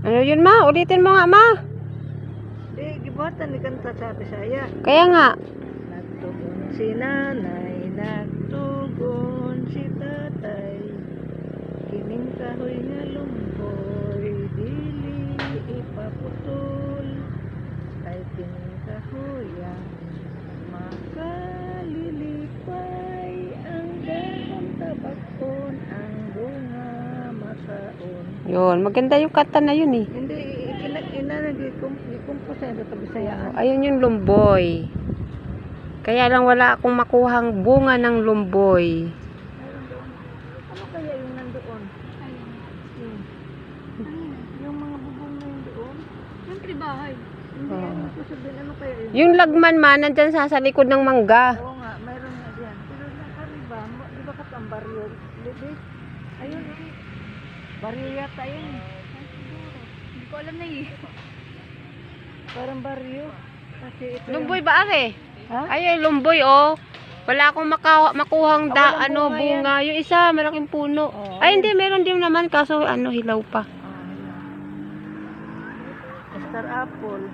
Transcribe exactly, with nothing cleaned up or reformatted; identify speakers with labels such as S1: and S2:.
S1: Ano yun ma? Ulitin mo nga ma.
S2: Di, gibuhatan ni kanta sa Bisaya.
S1: Kaya nga.
S2: Nagtugon si nanay, nagtugon si tatay. Kining kahoy nga lumboy, dili ipaputol. Kay kining kahoy ang makalilipay. Ang dahon tabakon, ang bunga masaon.
S1: Yun, maganda yung kanta na yun eh.
S2: Hindi, ina ina nag-compose sa Bisayaan.
S1: Ayun yung lumboy. Kaya lang wala akong makuhang bunga ng lumboy.
S2: Ano kaya yung nandoon?
S3: Ayun.
S2: Yung,
S3: Ayun.
S2: yung mga bubong na yun doon?
S3: Siyempre bahay.
S2: Hindi,
S1: Oo.
S2: ano ko sabihin, ano kaya yun?
S1: Yung lagman man, nandyan sa, sa likod ng mangga.
S2: Oo nga, mayroon nga dyan. Pero nakariba, mo- di ba katang baryo? Di, ayun, eh. Baryo yata yun.
S3: Hindi ko alam na eh.
S2: Parang baryo. Kasi ito yung-
S1: Lumboy ba ate?
S2: Ha?
S1: Ay, lumboy oh. Wala akong maka makuhang da,
S2: Ah, walang
S1: ano,
S2: bunga yan.
S1: bunga. Yung isa, malaking puno.
S2: Oo,
S1: Ay,
S2: ayun.
S1: hindi, meron din naman. Kaso, ano, hilaw pa.
S2: Ah, yun. Star apple.